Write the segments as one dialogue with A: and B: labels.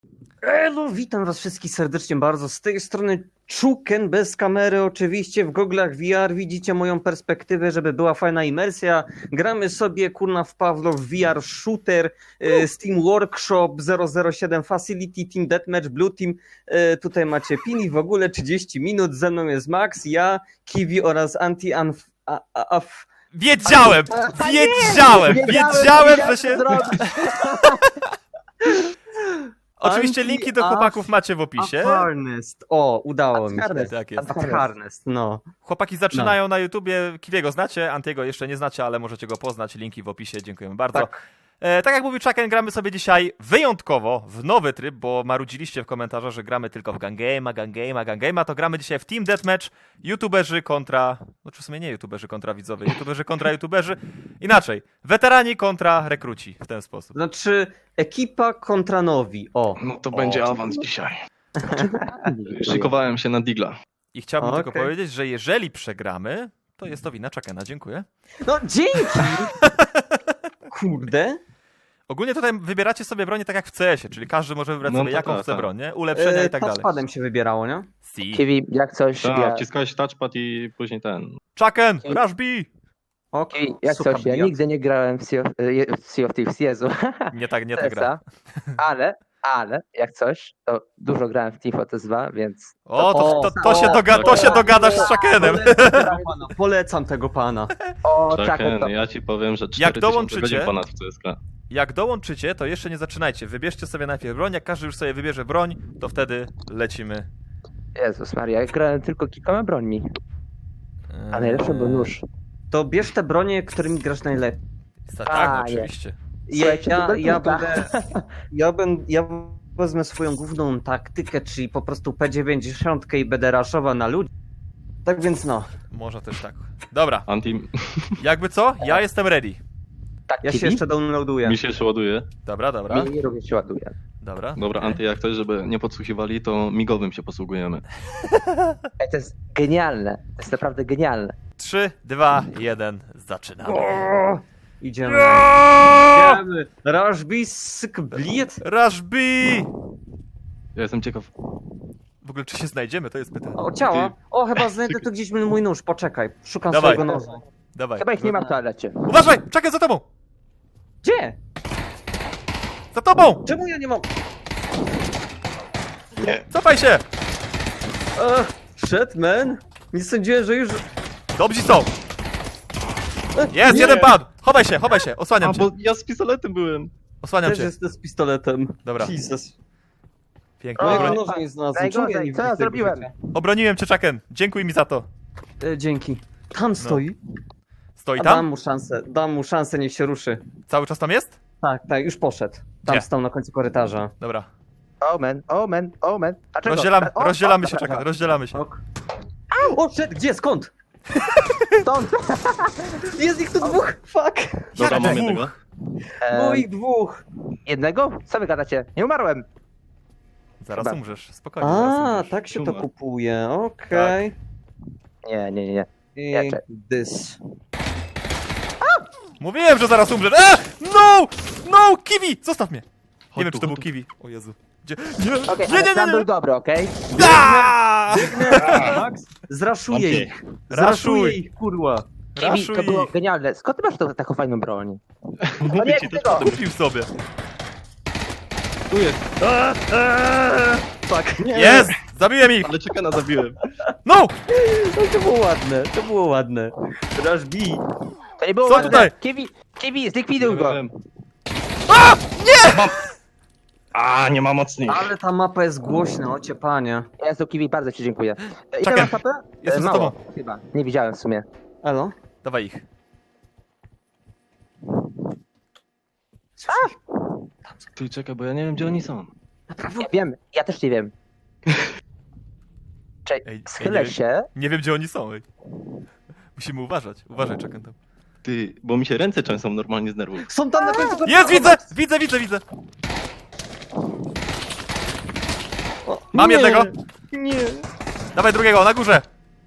A: No, witam was wszystkich serdecznie bardzo. Z tej strony Czuken, bez kamery oczywiście, w goglach VR. Widzicie moją perspektywę, żeby była fajna imersja. Gramy sobie, kurna, w Pawlo w VR Shooter, Steam Workshop 007 Facility, Team Deathmatch, Blue Team. Tutaj macie pini, w ogóle 30 minut. Ze mną jest Max, ja, Kiwi oraz
B: Wiedziałem, że się... Oczywiście linki do chłopaków macie w opisie.
A: Harnest. O, udało mi się.
B: Tak jest.
A: Harnest, no.
B: Chłopaki zaczynają na YouTubie. Kiwiego znacie, Antiego jeszcze nie znacie, ale możecie go poznać. Linki w opisie, dziękujemy bardzo. Tak jak mówił Chucken, gramy sobie dzisiaj wyjątkowo w nowy tryb, bo marudziliście w komentarzach, że gramy tylko w Gungame'a, to gramy dzisiaj w Team Deathmatch, YouTuberzy kontra... No czy w sumie nie YouTuberzy kontra widzowie, YouTuberzy kontra YouTuberzy. Inaczej, weterani kontra rekruci, w ten sposób.
A: Znaczy, ekipa kontra nowi, o.
C: No to będzie awans dzisiaj. Szykowałem się na Digla.
B: I chciałbym tylko
A: Okej.
B: powiedzieć, że jeżeli przegramy, to jest to wina Chuckena, dziękuję.
A: No, dzięki! Kurde.
B: Ogólnie tutaj wybieracie sobie bronię tak jak w CS-ie, czyli każdy może wybrać
C: No
B: sobie
C: to
B: jaką
C: tak,
B: chce
C: tak.
B: broń, nie? Ulepszenia i tak dalej.
A: Touchpadem się wybierało, nie?
B: Si.
D: Kiwi, jak coś,
C: Tak, wciskałeś touchpad i później ten.
B: Chucken, Rush B!
A: Ok,
D: Kiwi, jak
A: słucham,
D: coś, ja nigdy nie grałem w Sea of Thieves, Jezu.
B: Nie ta gra.
D: Ale, jak coś, to dużo grałem w Tifotes 2, więc...
B: To się dogadasz z Chuckenem.
A: Polecam tego pana.
D: O, czekaj,
C: Chucken,
D: to...
C: ja ci powiem, że 4000
B: dołączycie-
C: godzin ponad w CSK.
B: Jak dołączycie, to jeszcze nie zaczynajcie. Wybierzcie sobie najpierw broń, jak każdy już sobie wybierze broń, to wtedy lecimy.
D: Jezus Maria, ja grałem tylko kilkoma brońmi, a najlepszy był nóż.
A: To bierz te bronie, którymi grasz najlepiej.
B: Tak, no,
D: A,
B: oczywiście.
D: Słuchajcie, to
A: Ja wezmę swoją główną taktykę, czyli po prostu P90 i będę raszował na ludzi. Tak więc no,
B: Można też tak. Dobra,
C: Anti
B: jakby co? Ja jestem ready.
D: Tak,
A: ja się
D: Kiwi?
A: jeszcze downloaduję.
C: mi się jeszcze ładuje.
B: Dobra.
D: Mi również się ładuje.
B: Dobra.
C: Dobra, Anty, jak coś, żeby nie podsłuchiwali, to migowym się posługujemy.
D: Ej, to jest genialne, to jest naprawdę genialne.
B: 3, 2, 1, zaczynamy.
A: O, idziemy. Idziemy. Rushby, syk, bliet.
B: Rush B!
C: Ja jestem ciekaw.
B: W ogóle czy się znajdziemy, to jest pytanie.
A: O, ciała. O, chyba znajdę tu gdzieś mój nóż, poczekaj. Szukam
B: Dawaj.
A: swojego noża.
B: Dawaj.
D: Chyba ich nie ma w toalecie.
B: Uważaj! Czekaj za tobą!
A: Gdzie?
B: Za tobą!
A: Czemu ja nie mam?
B: Cofaj się!
A: Shit, man. Nie sądziłem, że już...
B: Dobrzy są! Jest,
A: Nie.
B: jeden padł! Chowaj się, osłaniam
C: A,
B: cię.
C: bo ja z pistoletem byłem.
B: Osłaniam
A: Też
B: cię.
A: jestem z pistoletem.
B: Dobra.
A: Jesus.
B: Pięknie.
D: O,
A: Mojego
B: Obro...
A: noża nie znalazłem. Czemu ja nie
D: Co ja
A: widzę tego
D: zrobiłem?
A: życia?
B: Obroniłem cię, Chucken. Dziękuj mi za to.
A: Dzięki. Tam stoi.
B: Stoi
A: A dam
B: tam?
A: mu szansę, niech się ruszy.
B: Cały czas tam jest?
A: Tak, już poszedł. Tam
B: Gdzie?
A: stał na końcu korytarza.
B: Dobra.
D: Oh man. A czego?
B: Rozdzielamy się,
D: dobra,
B: Chucken, rozdzielamy się.
A: Ok. O, szedł, gdzie? Skąd?
D: Stąd!
A: Jest ich tu dwóch! Fuck!
C: Dobra,
B: Jak
C: mam
B: dwóch?
C: jednego.
A: Było ich dwóch!
D: Jednego? Co wy gadacie? Nie umarłem!
B: Zaraz
D: Chyba.
B: umrzesz, spokojnie, zaraz
A: A,
B: umrzesz.
A: tak się to
C: Siuma.
A: kupuje, okej.
D: Nie.
A: I
D: Ja czek-
A: this.
B: Mówiłem, że zaraz umrzesz. No! Kiwi! Zostaw mnie!
C: Chodź
B: Nie wiem,
C: tu,
B: czy to był
C: chodź tu.
B: Kiwi. O Jezu. Gdzie? Nie,
D: Okej,
B: nie,
D: ale
B: nie,
D: plan
B: nie,
D: był
B: nie.
D: dobry, okej?
B: Aaaa!
A: Max, zraszuję
C: Mam cię.
A: ich! Zraszuję
B: Raszuj.
A: ich, kurwa!
D: Kiwi, to
B: Raszuj
D: było
B: ich.
D: genialne. Skąd ty masz taką fajną broń?
C: Mówię ci,
D: tego.
B: Kupił sobie.
C: tu jest.
A: Fuck! Nie.
B: Jest! Zabiłem ich!
C: Ale Chuckena zabiłem.
B: No!
A: No, to było ładne. Rush B.
D: To nie było
B: Co
D: ładne.
B: tutaj?
D: Kiwi, zlikwiduj go!
C: A, nie ma mocnych.
A: Ale ta mapa jest głośna, ocie panie.
D: Jezu, Kiwi, bardzo ci dziękuję. Ile
B: Czekaj,
D: masz HP?
B: jestem z
D: Mało,
B: tobą.
D: chyba. Nie widziałem w sumie.
A: Elo?
B: Dawaj ich.
C: Ty, czekaj, bo ja nie wiem, gdzie oni są.
D: Ja wiem, ja też nie wiem.
B: Ej,
D: Czekaj, schylę
B: nie wiem.
D: się.
B: Nie wiem, gdzie oni są. Ej. Musimy uważać. Uważaj, Chucken tam.
C: Ty, bo mi się ręce często normalnie z nerwów.
A: Są tam na końcu
B: Jest, widzę!
A: O,
B: Mam
A: nie.
B: jednego.
A: Nie.
B: Dawaj drugiego, na górze.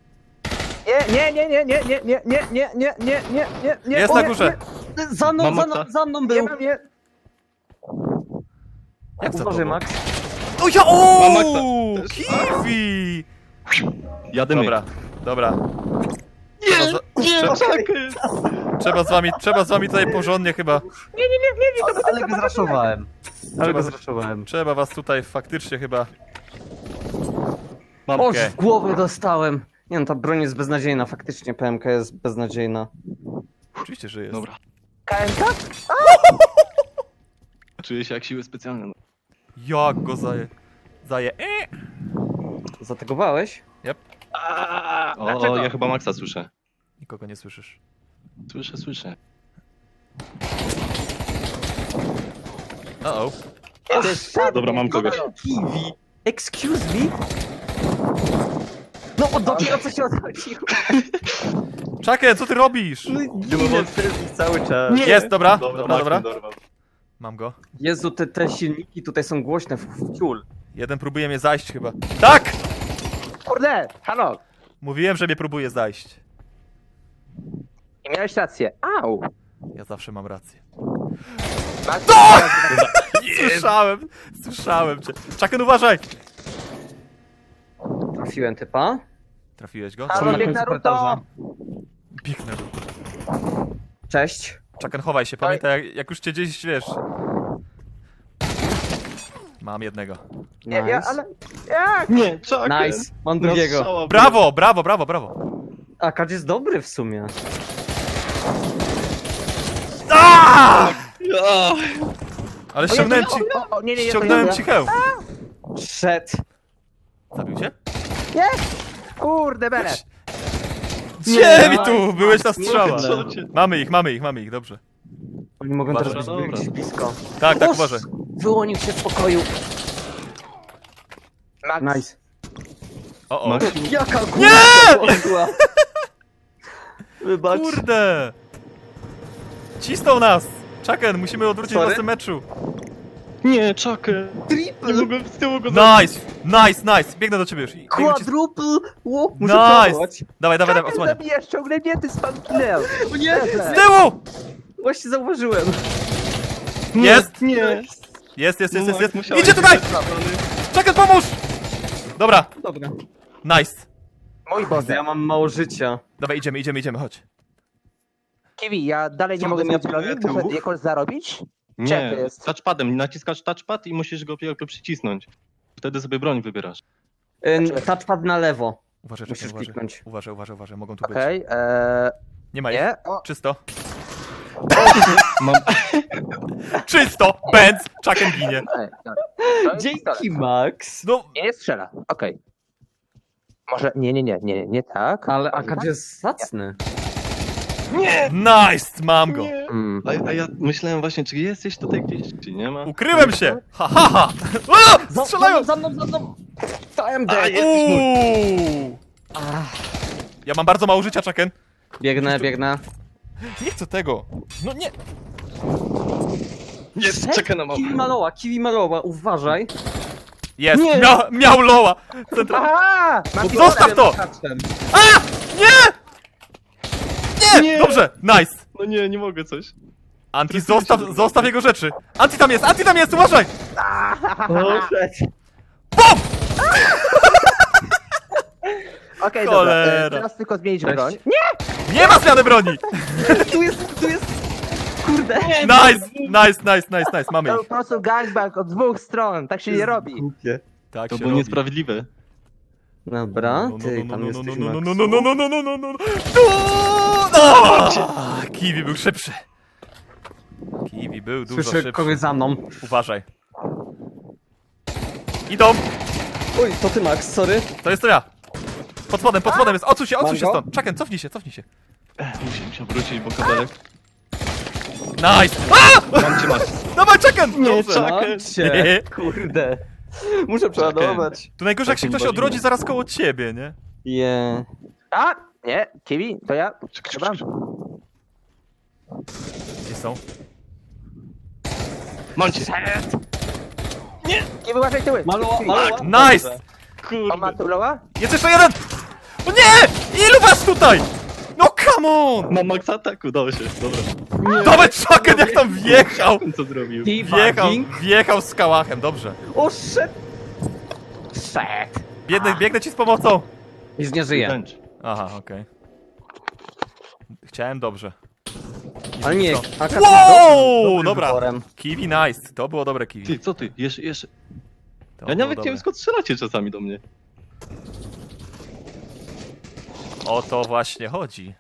D: Nie.
B: Jest na górze.
A: Za mną,
C: Mam
A: za
C: Maxa.
A: mną, za mną
D: Nie
A: był.
D: mam, nie.
B: Jak za
A: Uważaj,
B: tobą?
A: Max.
B: O ja!
C: Mam
B: O!
C: Maxa.
B: Kiwi!
C: Jadymy.
B: Dobra.
C: Nie,
B: Trzeba z wami tutaj porządnie chyba.
A: Ale go zraszowałem.
B: Trzeba was tutaj faktycznie chyba.
C: Mam.
A: Oż
B: Okej.
A: w głowę dostałem. Nie no, ta broń jest beznadziejna, faktycznie PMK jest beznadziejna.
B: Oczywiście, że jest.
C: Dobra.
D: KMK?
C: Czuję się jak siły specjalne.
B: Jak go zaje.
A: Zategowałeś?
C: O,
D: Dlaczego?
C: ja chyba Maxa słyszę.
B: Nikogo nie słyszysz.
C: Słyszę.
B: Uh-oh.
C: Dobra, mam kogoś.
A: Kiwi. Excuse me? No dopiero co się odchodziło.
B: Chucken, co ty robisz?
A: No ginę przez nich cały czas.
B: Jest, dobra.
C: Dobra.
B: Dobra. Mam go.
A: Jezu, te silniki tutaj są głośne w ciul.
B: Jeden próbuje mnie zajść chyba. Tak!
D: Kurde, halo.
B: Mówiłem, że mnie próbuje zajść.
D: I miałeś rację. Au.
B: Ja zawsze mam rację.
D: Max,
B: Słyszałem cię. Chucken, uważaj!
A: Trafiłem typa.
B: Trafiłeś go?
D: Halo,
A: na
D: bieg
A: końcu
D: Naruto.
A: korytarza.
B: Biegnę.
A: Cześć.
B: Chucken, chowaj się. Pamiętaj, jak już cię gdzieś, wiesz... Mam jednego.
D: Nie,
A: Nice.
D: ja, ale... Jak?
C: Nie, czekaj.
A: Nice. Mam drugiego.
B: Brawo!
A: A Kadź jest dobry w sumie.
B: Ale ściągnąłem ci...
D: Nie,
B: Ściągnąłem ci hełm.
A: Szedł.
B: Zabił cię?
D: Nie! Kurde, bele.
B: Gdzie mi tu? Byłeś na strzała.
C: Co cię-
B: Mamy ich, dobrze.
A: Oni mogą
C: Dobra,
A: teraz być
C: dobra.
A: gdzieś blisko.
B: Tak,
A: Oż!
B: uważaj.
A: Wyłonił się z pokoju.
D: Max.
A: Nice.
B: O.
C: Max,
A: Jaka kurwa! Wybacz.
B: Kurde! Cisnął nas! Chucken, musimy odwrócić
A: Sorry?
B: was w tym meczu.
C: nie, czekaj. Nie
A: Triple!
C: mogłem z tyłu go
B: Nice! Biegnę do ciebie już. Biegnę ci...
A: Quadruple! Ło, muszę
B: Nice!
A: próbować.
B: Dawaj,
D: Chucken
B: odsłaniam.
D: zabijesz, ciągnięty spam killer.
A: O nie!
B: Z tyłu!
A: Właśnie zauważyłem.
B: Jest!
C: Nie.
B: Jest.
C: Musiałeś
B: Idzie tutaj!
C: być trafiony.
B: Chucken, pomóż! Dobra,
A: Dobra.
B: nice.
D: Mój Boże.
A: Ja mam mało życia.
B: Dawaj, idziemy, chodź.
D: Kiwi, ja dalej nie
A: Co,
D: mogę
A: bym ja
D: zrobić broni,
A: próbuję
D: muszę
A: tyłu?
D: jakoś zarobić? Gdzie to
C: Nie,
D: jest?
C: touchpadem. Naciskasz touchpad i musisz go jakby przycisnąć. Wtedy sobie broń wybierasz.
A: Touchpad na lewo.
B: Uważaj,
A: Musisz
B: Chucken,
A: kliknąć.
B: uważaj, mogą tu być.
D: Okej,
B: Nie ma ich.
D: nie? O,
B: Czysto.
C: Mam...
B: Czysto! Benz! Chucken ginie.
D: to jest pistolet.
A: Dzięki, Max.
B: No,
D: Nie strzela, okej. Może, nie tak.
A: Ale Akad jest zacny.
B: nice! Mam go.
D: Mm.
C: A ja myślałem właśnie, czy jesteś tutaj gdzieś, czy nie ma?
B: Ukryłem się! Ha! A! Strzelają!
A: Za mną! Time
C: A,
A: dead!
C: jest.
B: Uuu. Ja mam bardzo mało życia, Chucken.
A: Biegnę.
B: Nie chcę tego. No nie.
C: Jest, czekaj na mapę.
A: Kiwi maloła, uważaj.
B: Jest! Miał loła!
D: Aha! Mam
B: Zostaw to! Nie!
C: Nie!
B: Dobrze! Nice!
C: No nie mogę coś.
B: Anti, zostaw jego rzeczy! Anti tam jest! Uważaj! BOM!
D: Okej,
B: Cholera.
D: dobra, teraz tylko zmienić
A: Cześć.
D: broń.
B: Nie ma zmiany broni!
A: Tu jest! Kurde!
B: Nice! Mamy
D: To
B: ich.
D: po prostu gangbang od dwóch stron, tak się nie robi.
A: Głupie.
B: Tak
C: To
B: się
C: było
B: robi.
C: niesprawiedliwe.
A: Dobra, ty tam jesteś, Max.
B: Kiwi był szybszy. Kiwi był dużo
A: Słyszę
B: szybszy.
A: kogoś za mną.
B: Uważaj. Idą!
A: Oj, to ty, Max, sorry.
B: To jest to ja. Pod spodem jest. Odsuń się
A: Mam go?
B: stąd. Chucken, cofnij się.
C: Musiał wrócić, bo kabelek.
B: Nice! A!
C: Mam cię, Max.
B: Dawaj, Chucken! Dobrze.
A: Mam cię. Kurde. Muszę przeładować.
B: Tu najgorzej, jak się ktoś odrodzi zaraz koło ciebie, nie?
A: Je.
D: A! Nie, Kiwi, to ja. Dobra.
B: Gdzie są?
C: Mam cię.
D: Kiwi, uważaj tyły.
A: Maloła.
B: Nice!
D: On ma tu loła?
B: Jest jeszcze jeden! O nie! Ilu was tutaj? No come on!
C: Mam max ataku, dało się, dobra.
B: Dawaj, Chucken, jak tam wjechał!
C: Co zrobił?
B: Wjechał z kałachem, dobrze.
A: O, shit! Shit.
B: Biegnę ci z pomocą!
A: Już nie żyje.
C: Revenge.
B: Aha, okej. Chciałem dobrze.
A: Ale nie,
B: Co?
A: Akash
B: Wow!
A: jest dobrym
B: Dobra.
A: wyborem.
B: Kiwi nice. To było dobre kiwi.
C: Ty, co ty? Jeszcze.
B: To
C: Ja
B: było
C: nawet nie wiem
B: dobre.
C: skąd strzelacie czasami do mnie.
B: O to właśnie chodzi.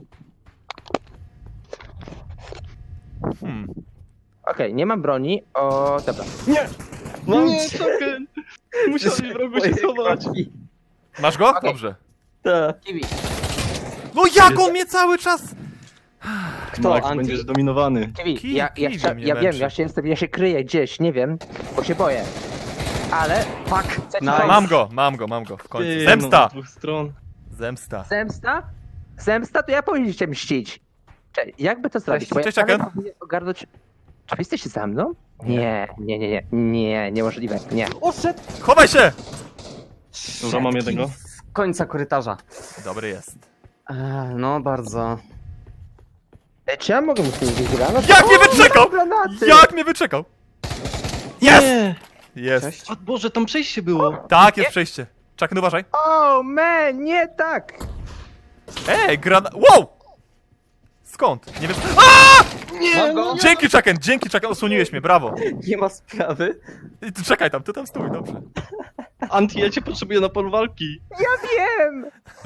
D: Okej, nie mam broni. O, dobra.
C: No nie, Chucken! Musiałem w rogu się schować.
B: Masz go?
D: Okej.
B: Dobrze.
A: Tak.
D: Kiwi.
B: No jak on mnie cały czas...
A: Kto,
C: Max,
A: Anti?
C: będziesz dominowany.
D: Kiwi, ja
B: Kiwi mnie
D: wiem,
B: męczy.
D: ja się kryję gdzieś, nie wiem, bo się boję. Ale,
A: Fuck.
D: Chcecie-
A: Nice.
B: Mam go w końcu.
C: Ty,
B: Zemsta!
C: No, z dwóch stron.
B: Zemsta.
D: zemsta? Zemsta to ja powinien się mścić. Cześć, jakby to zrobić? Bo
B: Cześć,
D: ja
B: Chucken.
D: powinien ogarnąć... Czy wy jesteście za mną? Nie, niemożliwe, nie.
A: Oszedł.
B: Chowaj się!
C: Dobra, mam jednego.
A: Z końca korytarza.
B: Dobry jest.
A: No, bardzo.
D: Czy ja mogę mu gdzieś granat?
B: Jak mnie wyczekał!
D: Granaty!
B: Jak mnie wyczekał! Jest!
C: Nie!
B: Jest.
A: Cześć.
C: O Boże, tam przejście było.
B: Tak, jest przejście. Chucken, uważaj.
D: O, man, nie tak!
B: Ej, Wow! Skąd? Nie wiem. A!
A: Mam go.
B: Dzięki Chucken, osłoniłeś mnie, brawo.
A: Nie ma sprawy.
B: I ty czekaj tam, ty tam stój, dobrze.
C: Anti, ja cię potrzebuję na polu walki.
D: Ja wiem!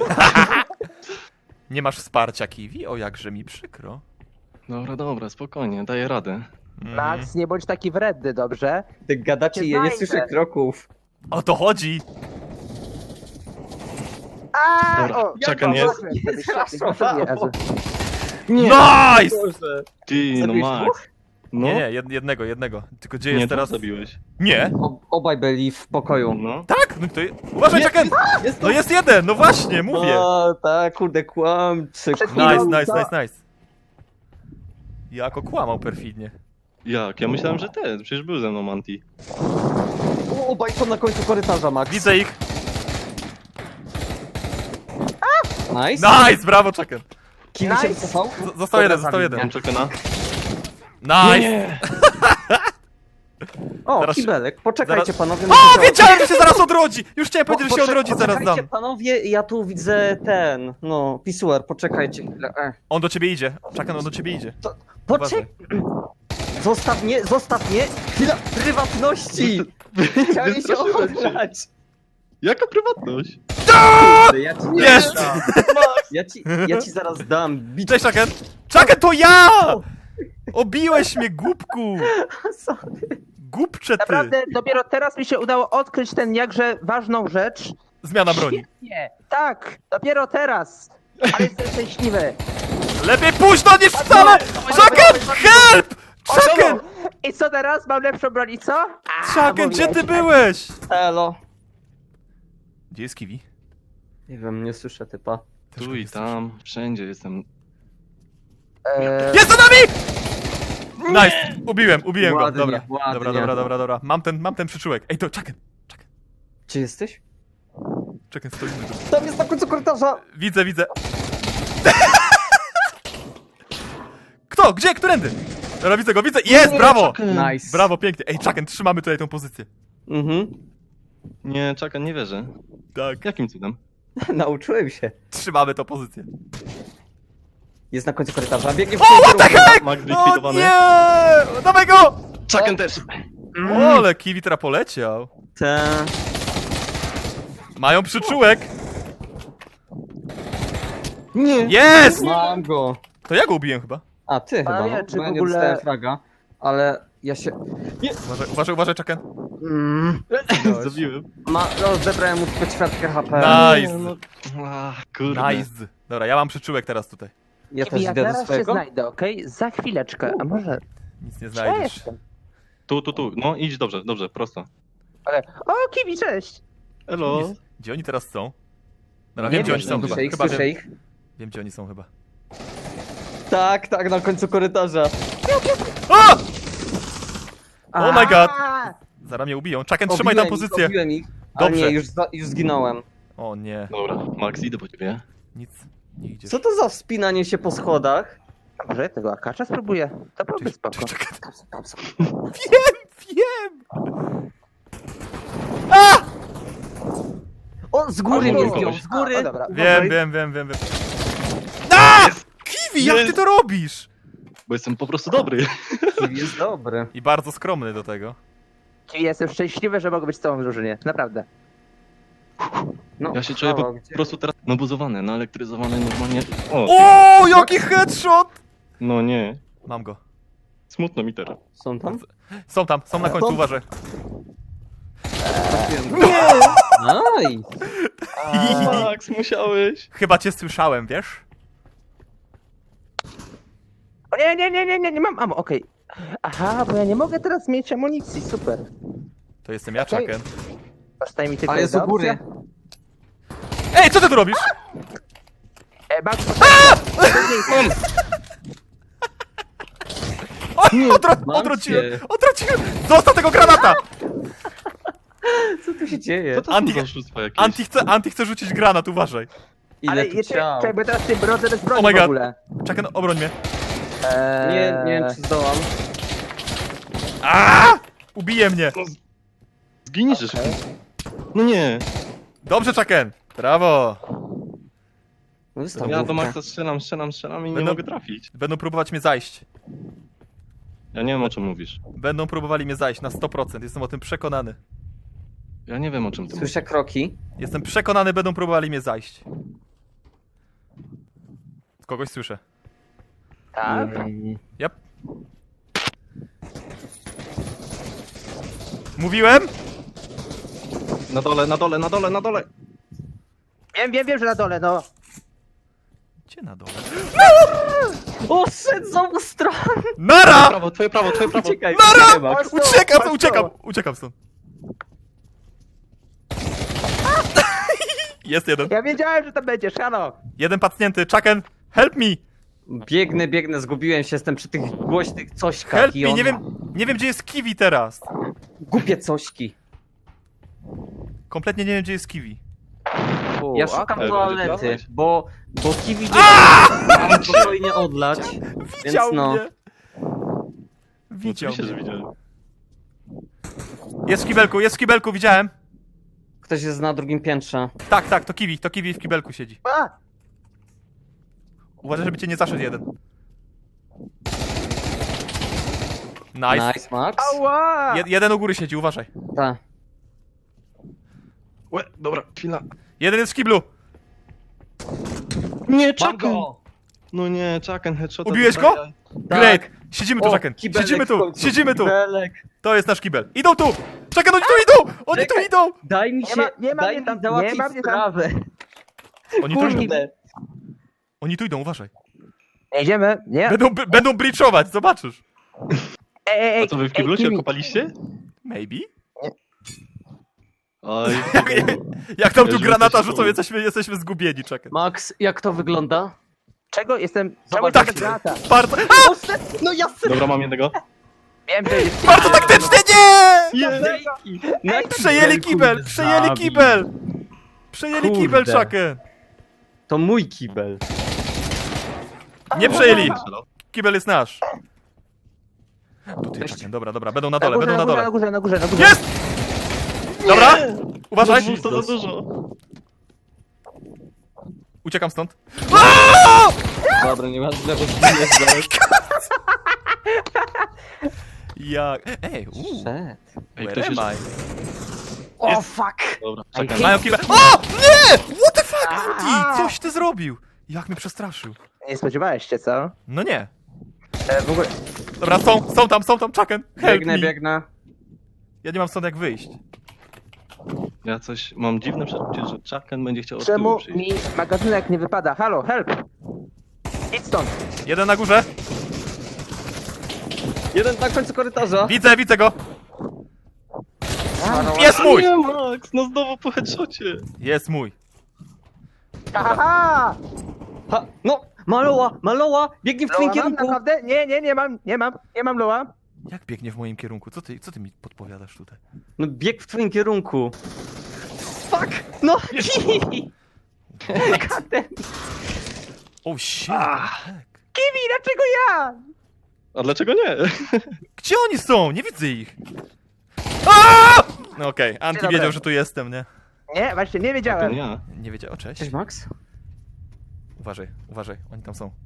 B: Nie masz wsparcia, Kiwi? O, jakże mi przykro.
C: Dobra, spokojnie, daję radę.
D: Max, nie bądź taki wredny, dobrze?
A: Ty gadacie,
D: Cię
A: ja nie
D: znajdę.
A: słyszę kroków.
B: O to chodzi.
D: A,
C: Dobra,
D: o,
C: Chucken jest.
A: Zraszowało.
B: Nice!
A: Boże.
C: Ty, no
A: Zabiłeś
C: Max.
A: dwóch?
C: No,
B: Nie, jednego. Tylko gdzie
C: nie,
B: jest
C: teraz
B: teraz?
C: zabiłeś.
B: Nie.
A: Obaj byli w pokoju.
C: No.
B: Tak? No to... Uważaj, Chucken!
A: Jest
B: No jest jeden, no właśnie, mówię.
A: O, tak, kurde, kłamczy.
D: Przed
A: kurde.
D: chwilą.
B: Nice. Jako kłamał perfidnie.
C: Jak? Ja myślałem, że ten. Przecież był ze mną Anti.
A: Obaj są na końcu korytarza, Max.
B: Widzę ich.
A: Nice.
B: Nice, brawo, Chucken.
A: Kiwi się
D: Nice.
A: wycofał?
B: Został jeden,
A: zabił
B: jeden.
C: Mam Chuckena.
B: Nice!
A: O,
B: Zaraz się-
A: kibelek. Poczekajcie,
B: zaraz-
A: panowie.
B: O, wiedziałem, że się zaraz odrodzi! Już chciałem powiedzieć, że się odrodzi, zaraz
A: Poczekajcie,
B: dam.
A: panowie, ja tu widzę ten, no, pisuar, poczekajcie chwilę.
B: On do ciebie idzie. Chucken, on do ciebie idzie.
A: Poczekaj! Zostaw mnie! Chwila prywatności! Chciałem się
C: Wystraszyłem się.
A: odebrać!
C: Jaka prywatność?
A: Kurde, ja ci nie
B: Jest!
A: dam. Ja ci zaraz dam. Bić.
B: Cześć, Chucken! Chucken, to ja! Obiłeś mnie, głupku!
A: Sorry.
B: Głupcze ty!
D: Naprawdę, dopiero teraz mi się udało odkryć ten jakże ważną rzecz.
B: Zmiana broni.
D: Nie, tak, dopiero teraz. Ale jestem szczęśliwy.
B: Lepiej późno niż wcale! Chucken, help! Chucken!
D: I co teraz? Mam lepszą broń i co?
B: Chucken, gdzie ty byłeś?
A: Elo.
B: Gdzie jest Kiwi?
A: Nie wiem, nie słyszę typa.
B: Też
C: Tu
B: go
C: i
B: nie
C: tam, wszędzie jestem.
B: Jest za nami! Nice! Ubiłem go.
A: Ładnie,
B: Dobra.
A: ładnie.
B: Dobra. Mam ten przyczółek. Ej, to Chucken.
A: Gdzie jesteś?
B: Chucken, stoimy tu.
A: Tam jest na końcu korytarza!
B: Widzę. Kto? Gdzie? Którędy? Dobra, widzę go. Jest, brawo!
A: Nice.
B: Brawo, pięknie. Ej, Chucken, trzymamy tutaj tą pozycję.
A: Mhm.
C: Nie, Chucken, nie wierzę.
B: Tak.
C: Jakim cudem?
A: Nauczyłem się.
B: Trzymamy tą pozycję.
A: Jest na końcu korytarza. Biegnie w
B: O, what the heck?
C: Max
B: O
C: zlikwidowany.
B: nie! Dawaj go!
C: Chucken też!
B: O, ale Kiwi teraz poleciał.
A: Te...
B: Mają przyczółek.
C: Nie!
B: Jest!
A: Mam go.
B: To ja go ubiłem chyba.
A: A, ty chyba,
D: A ja,
A: no.
D: czy
A: Bo ja
D: w
A: nie
D: ogóle-
A: dostałem fraga. Ale ja się...
B: Uważaj, Chucken.
C: Zabiłem.
A: Zebrałem mu tylko ćwiartkę HP.
B: Nice.
C: No, kurde.
B: Nice. Dobra, ja mam przyczółek teraz tutaj.
A: Ja
D: Kiwi,
A: też
D: ja
A: idę do
D: zaraz się
A: swojego.
D: znajdę, okej? Za chwileczkę, a może...
B: Nic nie
D: Ja
B: znajdziesz.
D: jestem.
C: Tu. No, idź dobrze, prosto.
D: Ale... O, Kiwi, cześć!
C: Elo.
B: Gdzie oni teraz są? Dobra,
A: Nie
B: wiem, gdzie
A: wiem,
B: oni są chyba.
A: słyszę ich,
B: Chyba
A: słyszę
B: wiem,
A: ich.
B: wiem, gdzie oni są chyba.
A: Tak, na końcu korytarza.
B: O! Oh my god!
D: A!
B: Zaraz mnie ubiją. Chucken, trzymaj tam pozycję.
A: Obiłem ich, ale
B: Dobrze.
A: nie, już zginąłem.
B: O nie,
C: Dobra, Max, idę po ciebie.
B: nic nie idzie.
A: Co to za wspinanie się po schodach?
D: A może ja tego akacza spróbuję? To byłby spoko.
B: Wiem!
A: O, z góry mnie
C: Albo
A: zdjął,
C: kogoś.
A: z góry.
D: O, dobra.
B: Wiem. A! Kiwi, jak ty to robisz?
C: Bo jestem po prostu dobry.
A: Jest dobry.
B: I bardzo skromny do tego.
D: Czyli jestem szczęśliwy, że mogę być z tobą w drużynie. Naprawdę.
A: No,
C: Ja się czuję
A: halo,
C: po
A: gdzie-
C: prostu teraz nabuzowany, naelektryzowany normalnie. O,
B: O, jaki headshot!
C: no nie.
B: Mam go.
C: Smutno mi teraz.
A: Są tam?
B: Są na końcu, uważaj.
A: Nice.
C: Max, musiałeś.
B: Chyba cię słyszałem, wiesz?
D: O nie mam amo, okej. Aha, bo ja nie mogę teraz mieć amunicji, super.
B: To jestem ja,
D: Okej.
B: Chucken.
D: Zostaje mi tylko
A: Ale jest
D: jedna
A: u góry.
D: opcja.
B: Ej, co ty tu robisz?
D: Max,
B: Odwróciłem! Zostaw tego granata!
A: Co tu się dzieje?
C: Co to
B: Anti-
C: są za oszustwa jakieś?
B: Anti chce rzucić granat, uważaj.
A: Ile
D: ale
A: tu
D: jeszcze,
A: ciał?
D: jakby teraz ty brodzę bez broni
B: Oh my
D: w
B: God.
D: ogóle.
B: Chucken, obroń mnie.
A: Nie wiem czy zdołam.
B: Aaaa! Ubije mnie.
C: Zginij, że szybko. No nie.
B: Dobrze, Chucken. Brawo.
A: No wystaw
C: Ja do
A: główkę.
C: Maxa strzelam i nie
B: Będą-
C: mogę trafić.
B: Będą próbować mnie zajść.
C: Ja nie wiem, o czym mówisz.
B: Będą próbowali mnie zajść na 100%. Jestem o tym przekonany.
C: Ja nie wiem, o czym ty mówisz.
A: Słyszę kroki.
B: Jestem przekonany, będą próbowali mnie zajść. Kogoś słyszę.
D: Tak?
B: Yep. Mówiłem?
C: Na dole.
D: Wiem, że na dole, no.
B: Gdzie na dole?
A: O, szedł z obu stron!
B: Nara!
C: Twoje prawo.
A: Uciekaj,
B: Nara!
A: uciekaj, Max.
B: Uciekam stąd. Jest jeden.
D: Ja wiedziałem, że tam będziesz, halo.
B: Jeden pacnięty. Chucken, help me!
A: Biegnę, zgubiłem się, jestem przy tych głośnych cośkach
B: Help
A: i
B: me!
A: on...
B: Nie wiem gdzie jest Kiwi teraz.
A: Głupie cośki.
B: Kompletnie nie wiem gdzie jest Kiwi.
A: Ja szukam
C: okej.
A: toalety,
C: Będzie
A: bo kiwi nie mam spokojnie odlać.
B: Widział
A: no.
B: mnie. Widział
C: Oczywiście, że
B: mnie.
C: widziałem.
B: Jest w kibelku, widziałem.
A: Ktoś jest na drugim piętrze.
B: Tak, to Kiwi w kibelku siedzi.
D: A!
B: Uważaj, żeby cię nie zaszedł jeden. Nice.
A: Nice, Max.
D: Ała!
B: Jeden u góry siedzi, uważaj.
A: Tak.
C: Łe, dobra, chwila.
B: Jeden jest w kiblu.
C: Nie,
A: Mam
C: Chucken!
A: go!
C: No nie, Chucken, headshot.
B: Ubiłeś go? Great. Siedzimy tu,
A: O,
B: Chucken.
A: kibelek
B: Siedzimy
A: w
B: tu.
A: końcu,
B: Siedzimy tu.
A: kibelek.
B: To jest nasz kibel. Idą tu. Chucken, oni tu idą. Oni tu
A: Czekaj.
B: idą.
A: Daj mi
D: Nie
A: się,
D: ma- nie ma
A: daj
D: mnie
A: mi
D: tam,
A: załatwić
D: nie ma mnie tam.
A: sprawę.
B: Oni tu idą.
A: Kurde.
B: Oni tu idą, uważaj.
D: Nie idziemy, nie?
B: Będą breachować, zobaczysz.
D: Ej,
C: A co, wy w kiblu się
D: Kiwi.
C: okopaliście?
B: Maybe?
C: Oj,
B: Jak tam tu
C: Ja, żeby
B: granata
C: coś
B: rzucą,
C: było.
B: jesteśmy zgubieni, Chucken.
A: Max, jak to wygląda?
D: Czego jestem?
A: Zobacz,
D: Czemu
B: tak.
D: tak. Granata?
B: Bardzo,
A: No jasne!
C: dobra, mam jednego.
D: Wiem, że jest...
B: bardzo taktycznie, nie! Przejęli kibel, przejęli kibel! Przejęli
A: Kurde.
B: kibel, Chucken.
A: To mój kibel.
B: Nie przejęli. Kibel jest nasz. Tutaj, Chucken, dobra, będą na dole, będą na dole.
D: Na górze.
B: Jest! Dobra, uważaj.
C: To za dużo.
B: Uciekam stąd.
A: Dobra, nie masz lewo zginiesz zaraz.
B: Jak? Ej,
A: Szedł.
C: Ej,
B: where
C: ktoś
B: am
C: jest...
B: I?
A: O, fuck!
C: Dobra,
D: Ej,
C: Chucken.
B: Mają kibel. O! Nie! What the fuck, Anti? Coś ty zrobił. Jak mnie przestraszył.
D: Nie spodziewałeś się, co?
B: No nie.
D: W ogóle...
B: Dobra, są tam, Chucken. Help
A: Biegnę,
B: me.
A: biegnę.
B: Ja nie mam stąd jak wyjść.
C: Ja coś... Mam dziwne przeczucie, że Chucken będzie chciał od
D: Czemu
C: tyłu przyjść.
D: mi magazynek nie wypada? Halo, help! Idź stąd!
B: Jeden na górze.
A: Jeden na końcu korytarza.
B: Widzę go. Jest mój!
C: Nie, Max, no znowu po headshocie.
B: Jest mój.
D: Haha!
A: Ha, no! Maloła! Biegnie w twoim
D: Loa mam?
A: kierunku!
D: Naprawdę? Nie mam Loa.
B: Jak biegnie w moim kierunku? Co ty mi podpowiadasz tutaj?
A: No bieg w twoim kierunku. Fuck! No!
B: Oh shit.
D: Kiwi, dlaczego ja?
C: A dlaczego nie?
B: Gdzie oni są? Nie widzę ich. Aaaa! No okej, Anti
D: Dobra.
B: wiedział, że tu jestem, nie?
D: Nie, właśnie nie
C: Ten
D: wiedziałem.
C: ja.
B: Nie wiedział, o cześć.
A: Cześć, Max.
B: Uważaj, uważaj, oni tam są.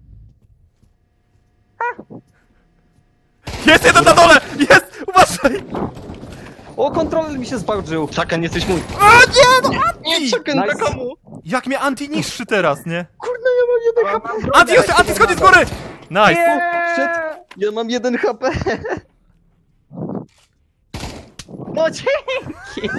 B: Jest jeden na dole! Jest! Uważaj!
A: O, kontroler mi się zbałdżył.
C: Czakan, jesteś mój.
B: A nie, no Anti!
C: Nie, Czakan,
A: Nice.
C: na komu?
B: Jak mnie Anti niszczy teraz, nie?
A: Kurde, ja mam 1 HP.
B: Anti, już, Anti schodzi z góry! Nice!
A: Shit. Ja mam 1 HP. No dzięki.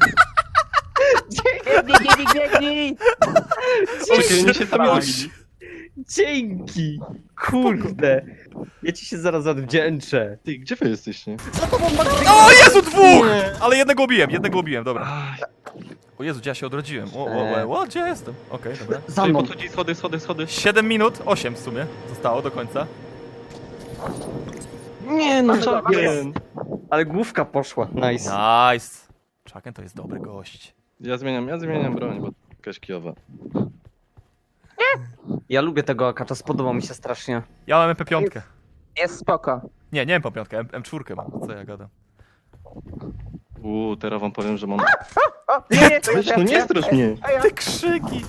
D: Biegnij!
C: Czekaj, oni się tam
B: Dawaj.
C: robili.
A: Dzięki. Kurde. Ja ci się zaraz odwdzięczę.
C: Ty, gdzie wy jesteście?
B: O Jezu, dwóch!
C: Nie.
B: Ale jednego ubiłem, dobra. O Jezu, gdzie ja się odrodziłem? O, gdzie ja jestem? Okej, dobra.
A: Za
C: Czyli
A: mną.
C: podchodzi schody.
B: 7 minut, 8 w sumie zostało do końca.
A: Nie no,
C: Czakan.
A: ale główka poszła. Nice.
B: Nice. Chucken to jest dobry gość.
C: Ja zmieniam broń, bo jakaś kijowa.
A: Ja lubię tego akacza, spodobał mi się strasznie.
B: Ja mam MP5.
D: Jest spoko.
B: Nie mam MP5, M4 mam. Co ja gadam?
C: Teraz wam powiem, że mam...
D: O, nie, to
C: Weź, no nie strasz mnie.
D: A ja.
B: Te krzyki!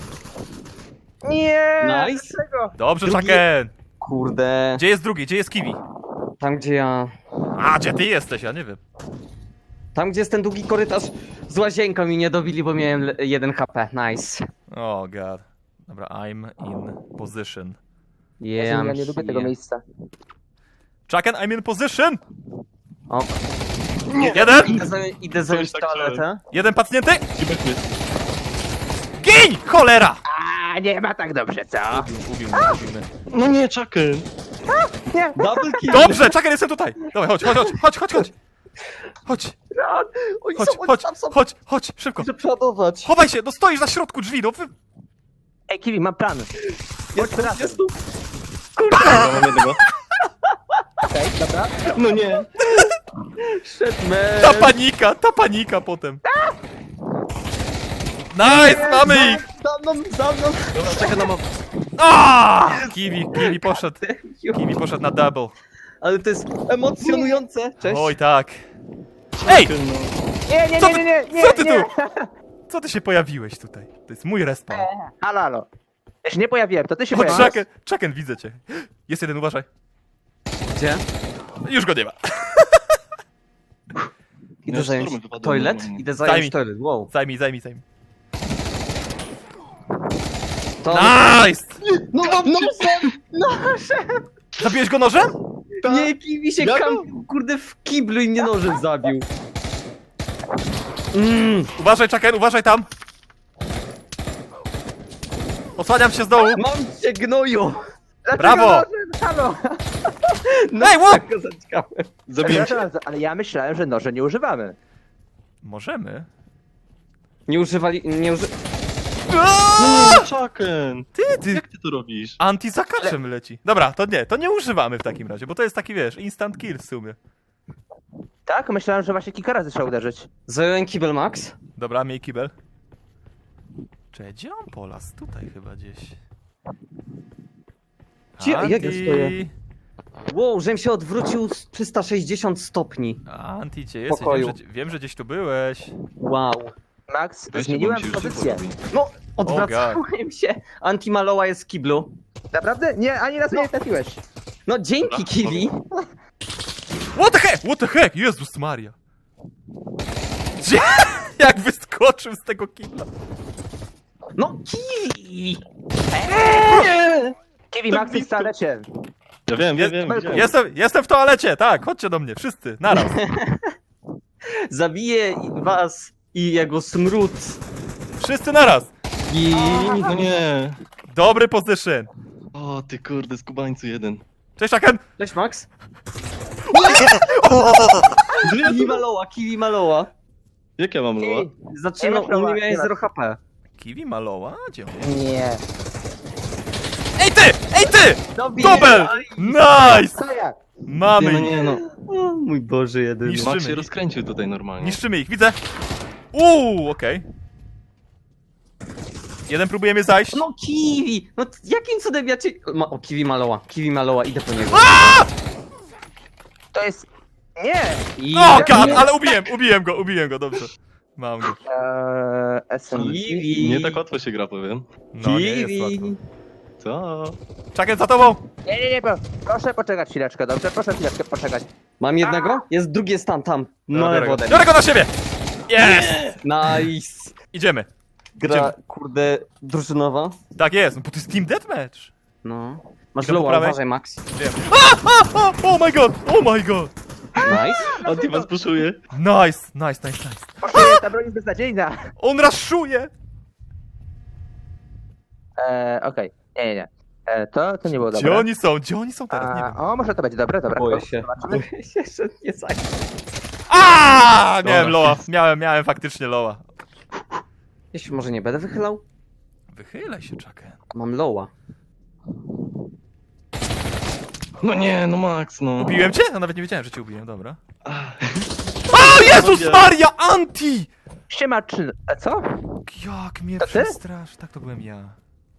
D: Nie!
A: Nice.
D: Dlaczego?
B: Dobrze,
A: Drugi-
B: Chucken!
A: Kurde.
B: Gdzie jest drugi? Gdzie jest Kiwi?
A: Tam gdzie ja...
B: A, gdzie ty jesteś? Ja nie wiem.
A: Tam gdzie jest ten długi korytarz z łazienką mi nie dobili, bo miałem 1 HP. Nice.
B: Oh god. Dobra, I'm in position.
D: Jezu, ja nie lubię tego miejsca.
B: Chucken, I'm in position!
A: O,
B: Jeden!
A: idę zająć
C: tak
A: toaletę.
B: Jeden pacnięty!
C: Gdzie byśmy?
B: Gin! Cholera!
D: A nie ma tak dobrze, co?
B: Ubił mnie.
C: No nie, Czakan.
D: Nie.
A: Double kill.
B: Dobrze, Chucken, jestem tutaj! Dawaj, chodź.
A: Oni
B: Chodź, szybko.
A: Muszę przeładować.
B: Chowaj się, no stoisz na środku drzwi, no wy...
D: Ej, Kiwi, mam plan.
A: Jest tu,
D: razem.
A: jest tu.
C: Dobra, mam jednego.
D: Okej, dobra.
C: No nie.
A: Shit,
B: Ta panika potem. Nice, mamy ich!
A: Za mną.
C: Dobra, czekaj na
B: Kiwi poszedł na double.
A: Ale to jest emocjonujące. Cześć.
B: Oj tak. Ej!
D: Nie,
B: Co
D: nie.
B: ty tu? Co ty się pojawiłeś tutaj? To jest mój respawn.
D: Halo. Ja się nie pojawiłem, to ty się
B: Chodź,
D: pojawiłeś.
B: Chucken, widzę cię. Jest jeden, uważaj.
A: Gdzie?
B: Już go nie ma.
A: Idę
C: Nie,
A: zająć
C: szturmy wypadają
A: toilet?
C: normalnie.
A: Idę
B: Zajmij.
A: zająć toilet, wow.
B: Zajmij.
A: To...
B: Nice!
A: No,
B: Zabiłeś go nożem?
A: Nie, Kiwi się
C: Ja
A: kampił, kurde, w kiblu i mnie nożem zabił.
B: Uważaj, Chucken, uważaj tam. Osłaniam się z dołu.
A: Mam cię, gnoju.
B: Brawo!
D: Halo.
B: Ej, łop!
A: Tak go zaciąłem.
C: Zabiłem cię.
D: Ale ja myślałem, że noże nie używamy.
B: Możemy.
A: Nie używali,
C: Czakan.
B: Ty!
C: Jak ty to robisz?
B: Anti za kaczem leci. Dobra, to nie używamy w takim razie, bo to jest taki, wiesz, instant kill w sumie.
D: Tak? Myślałem, że właśnie kilka razy trzeba uderzyć.
A: Zająłem kibel, Max.
B: Dobra, miej kibel. Czekaj, gdzie on polas? Tutaj chyba gdzieś.
A: Gdzie? Jak ja
B: Anti.
A: stoję? Wow, żem się odwrócił z 360 stopni.
B: Anti, gdzie jesteś?
A: Pokoju.
B: Wiem, że gdzieś tu byłeś.
A: Wow.
D: Max,
C: Weźcie,
D: zmieniłem
C: bo mi się już
D: pozycję.
C: szybko robi.
A: No, odwracałem się. Anti-Maloa jest w kiblu.
D: Naprawdę? Nie, ani razu nie trafiłeś.
A: No dzięki, Kiwi.
B: What the heck? Jezus Maria. Gdzie? Jak wyskoczył z tego kibla.
A: No, Kiwi.
D: Kiwi, Max jest w toalecie.
C: Ja wiem, widziałem.
B: Jestem w toalecie, tak, chodźcie do mnie, wszyscy, naraz.
A: Zabiję was i jego smród.
B: Wszyscy naraz.
A: I...
C: No nie.
B: Dobry position.
C: O, ty kurde, skubańcu jeden.
B: Cześć, Chucken.
A: Cześć, Max.
C: Żyję
A: Kiwi
C: tu?
A: Maloa, Kiwi Maloa.
C: Jak ja mam loa?
A: Zaczynał,
D: Nie ma
A: u mnie
D: nie
A: miałeś
D: ma.
A: 0 HP.
B: Kiwi Maloa? Gdzie on jest?
D: Nie.
B: Ej ty!
A: Dobiję.
B: Dobel! Nice!
D: Co jak?
B: Mamy
C: No
B: ich.
C: nie, no.
A: O mój Boże, jedyny.
B: Niszczymy
C: Max się
B: ich.
C: rozkręcił tutaj normalnie.
B: Niszczymy ich, widzę. Okej. Jeden próbuje mnie zajść.
A: No Kiwi! No jakim cudem ja cię... O, Kiwi Maloa, idę po niego.
D: To jest... Nie!
A: I...
B: O god, ale ubiłem go, dobrze. Mam go.
D: SMG.
A: Kiwi.
C: Nie tak łatwo się gra, powiem.
B: No, nie jest łatwo.
A: Kiwi.
C: Co?
B: Chucken, za tobą!
D: Nie, proszę poczekać chwileczkę, dobrze? Proszę chwileczkę poczekać.
A: Mam jednego? Jest drugi jest tam. No
B: Biorę go.
A: wodę.
B: Biorę go na siebie! Jest!
A: Nice.
B: Idziemy.
A: Gra, kurde, drużynowa.
B: Tak jest, no bo to jest Team Deathmatch.
A: No. Masz
B: Idę po
A: lowa,
B: prawej.
A: uważaj, Max.
B: Wiem. Oh my god! Oh my god!
A: Nice.
C: Anti was puszuje.
B: Nice.
D: Proszę, ta broń jest beznadziejna.
B: On raszuje!
D: Okej. Nie. To nie było
B: Gdzie
D: dobre.
B: oni są? Gdzie oni są teraz? Nie wiem.
D: O, może to będzie dobre, dobra.
A: Boję się.
D: Zobaczymy.
A: Boję się, że nie zajmę.
B: Miałem
C: Dobra.
B: loa. Miałem faktycznie loa.
A: Ja się może nie będę wychylał?
B: Wychylaj się, Chucken.
A: Mam lowa.
C: No nie, no Max, no.
B: Ubiłem cię? No nawet nie wiedziałem, że cię ubiłem, dobra. O Jezus Maria, Anti!
D: Siema, czy... co?
B: Jak mnie
D: To ty?
B: przestrasz. Tak, to byłem ja.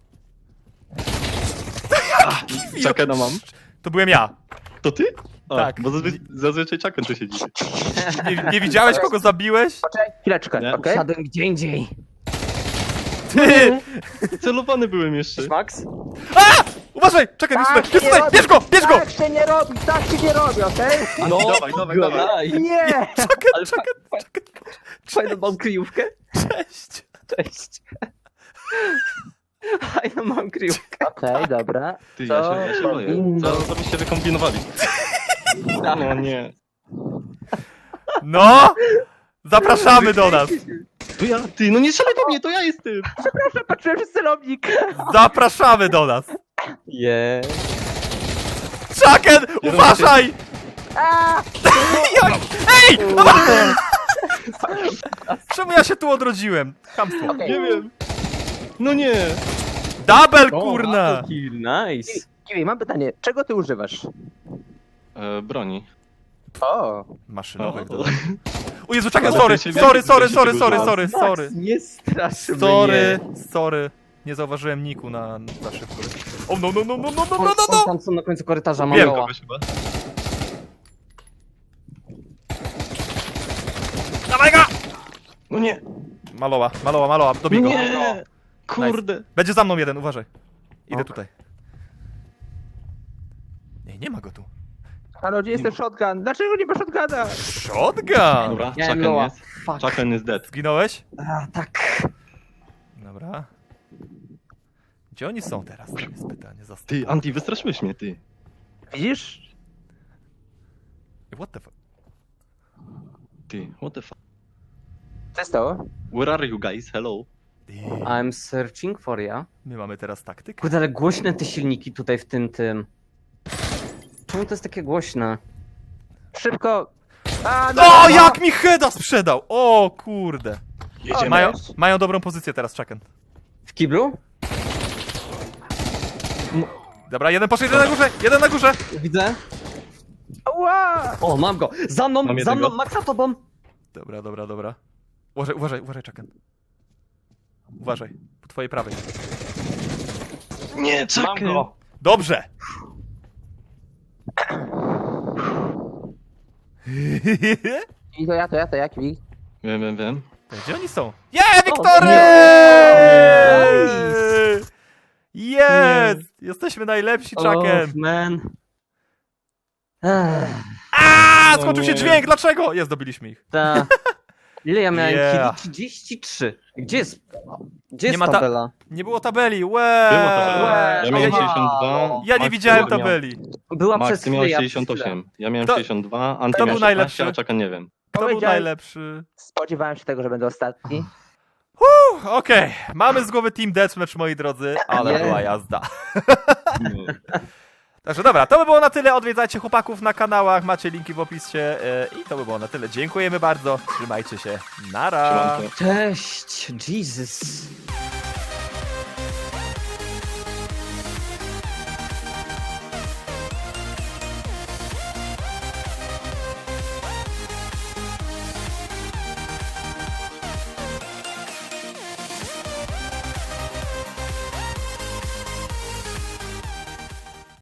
C: Chuckena mam.
B: To byłem ja.
C: To ty? A,
B: Tak.
C: Bo zazwyczaj Chucken tu siedzi.
B: Nie widziałeś, kogo zabiłeś?
D: Poczekaj, chwileczkę,
C: Nie.
D: okej?
A: Siadłem gdzie indziej.
B: Ty!
C: Celowany byłem jeszcze.
A: Cześć, Max?
B: Uważaj! Czekaj, jest
D: Tak
B: tutaj! Jest
D: się nie
B: tutaj!
D: robi.
B: Bierz go! Bierz go!
D: Tak się nie robi, tak się nie robi, okej?
A: No,
C: dawaj.
A: daj.
D: Nie!
A: Ale fajną mam kryjówkę.
B: Cześć!
A: Cześć. Fajną mam kryjówkę.
D: Okej, dobra.
C: Ty, ja się boję.
D: powinno-
C: Co byście wykombinowali? No nie.
B: No! Zapraszamy do nas!
C: To ja, ty, no nie strzelaj do mnie, to ja jestem.
D: Przepraszam, patrzyłem przez celownik.
B: Zapraszamy do nas!
A: Yeah.
B: Chucken! Uważaj!
D: A!
B: Ej! Czemu ja się tu odrodziłem? Chamstwo.
D: Okej.
C: Nie wiem. No nie.
B: Double, kurna!
A: Kill, nice.
D: Kiwi, mam pytanie, czego ty używasz?
C: Broni.
D: O!
B: Maszynowych.
C: O,
B: do- O Jezu, Chucken,
C: Ale
B: sorry!
C: ty się
B: Sorry!
C: więcej
A: Max, nie straszy
B: Sorry. Nie zauważyłem niku na za szybko. O no.
A: Mnie. Tam są na końcu korytarza, mam
B: Wiem
A: lowa.
C: Kogoś chyba.
B: Dawaj go!
C: No nie.
B: Maloła, dobij go.
C: Nie. Kurde.
B: Będzie za mną jeden, uważaj. Idę
A: Ok.
B: tutaj. Nie ma go tu.
D: Halo, gdzie jest ten shotgun? Dlaczego nie ma shotguna?
B: Shotgun!
C: Dobra,
A: Miałem
C: Chucken
A: lowa.
C: jest.
A: Fuck.
C: Chucken is dead.
B: Zginąłeś?
A: A, tak.
B: Dobra. Gdzie oni są teraz? To jest pytanie.
C: Ty, Anti, wystraszyłeś mnie, ty.
D: Widzisz?
B: What the fuck?
C: Ty, what the fuck?
D: Co jest to?
C: Where are you guys? Hello.
A: I'm searching for ya.
B: My mamy teraz taktykę.
A: Kurde, ale głośne te silniki tutaj w tym. Czemu to jest takie głośne?
D: Szybko! A,
B: O, jak mi heada sprzedał! O, kurde.
C: Jedziemy.
B: Mają dobrą pozycję teraz, Chucken.
A: W kiblu?
B: Dobra, jeden poszedł, jeden na górze!
A: Widzę.
D: Ła!
A: O, mam go. Za mną,
C: Mam
A: za mną,
C: jednego.
A: Max za tobą.
B: Dobra. Uważaj, Chucken. Uważaj, po twojej prawej.
C: Nie,
A: Mam
C: Chucken.
A: go.
B: Dobrze!
D: I to ja, Kiwi.
C: Wiem.
B: Gdzie oni są? Wiktory!
A: Nice.
B: Jest! Jesteśmy najlepsi, Chucken!
A: Oh, man.
B: Skończył się
C: nie.
B: dźwięk, dlaczego? Jest, dobiliśmy ich.
A: Ta. Ile ja miałem
B: Yeah.
A: killi? 33. Gdzie jest
B: Nie ma
A: tabela?
B: Nie było tabeli,
C: Było to.
A: Łe,
C: Ja miałem
A: wow.
C: 62.
B: Ja nie
C: Max,
B: widziałem
C: ty miał-
B: tabeli.
A: Była
C: Max,
A: przez
C: ty
A: chwilę.
C: miałeś
A: ja przez
C: 68. Ja miałem
B: To-
C: 62, Anty
B: to
C: miał
B: był
C: 16,
B: najlepszy.
C: a Chucken nie wiem.
B: Kto był
D: Powiedziałem-
B: najlepszy?
D: Spodziewałem się tego, że będę ostatni.
B: Okej, mamy z głowy Team Deathmatch, moi drodzy, ale
A: Nie.
B: była jazda. Także dobra, to by było na tyle. Odwiedzajcie chłopaków na kanałach, macie linki w opisie i to by było na tyle. Dziękujemy bardzo, trzymajcie się, nara!
C: Siemanko.
A: Cześć, Jesus.